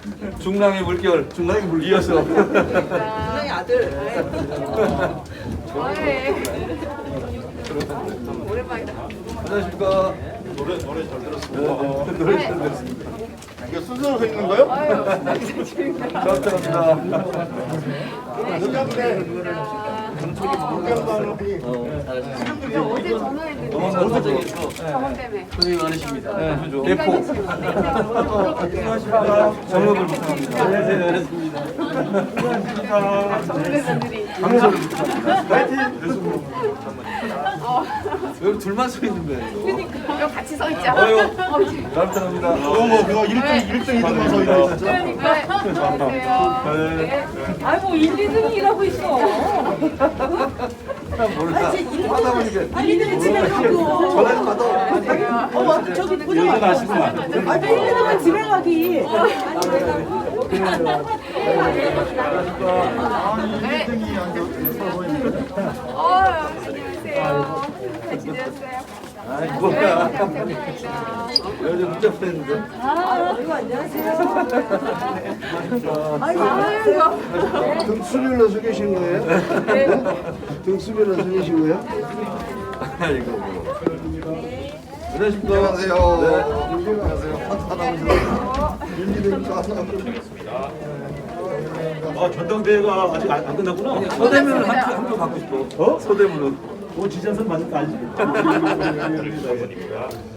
중랑의 물결, 중랑의 물 이어서. 중랑의 아들. 오랜만이다. 안녕하십니까. 노래 잘 들었습니다. 노래 잘 들었습니다. 이게 순서로 서 있는 거요? 아유, 감사합니다. 감사합니다. 어제 전화했는데 어제 저번 때문에. 고생이 많으십니다. 대포. 안녕하십니까. 정력을 부탁합니다. 안녕하십니다. 전문가들이. 방송을 여기 둘만 서 있는 거예요. 그러니까 같이 서 있자. 아유, 감사합니다. 그거 1등, 2등만 서 있는 거 진짜. 안녕하세요. 네. 아이고 1, 2등이 일하고 있어. 모르겠다. 하다 보니까 1, 2등은 집에 가고. 전화를 받아. 어머 저기 보자. 아시구만. 아 1, 2등은 집에 가기. 안녕하세요. 잘 지내셨어요? 아이, 네, 뭐야. 감사합니다. 요즘 문자 보냈는데. 아이고 안녕하세요. 아이고. 등수별로 서 계신 거예요? 등수별로 서 계신 거예요? 아이고. 뭐. 안녕하십니까. 안녕하세요. 네. 안녕하세요. 윤기대입니다. 아, 전당대회가 아직 안 끝났구나. 서대문은 한표 갖고 싶어. 서대문은. 지jan선 맞는 거 알지?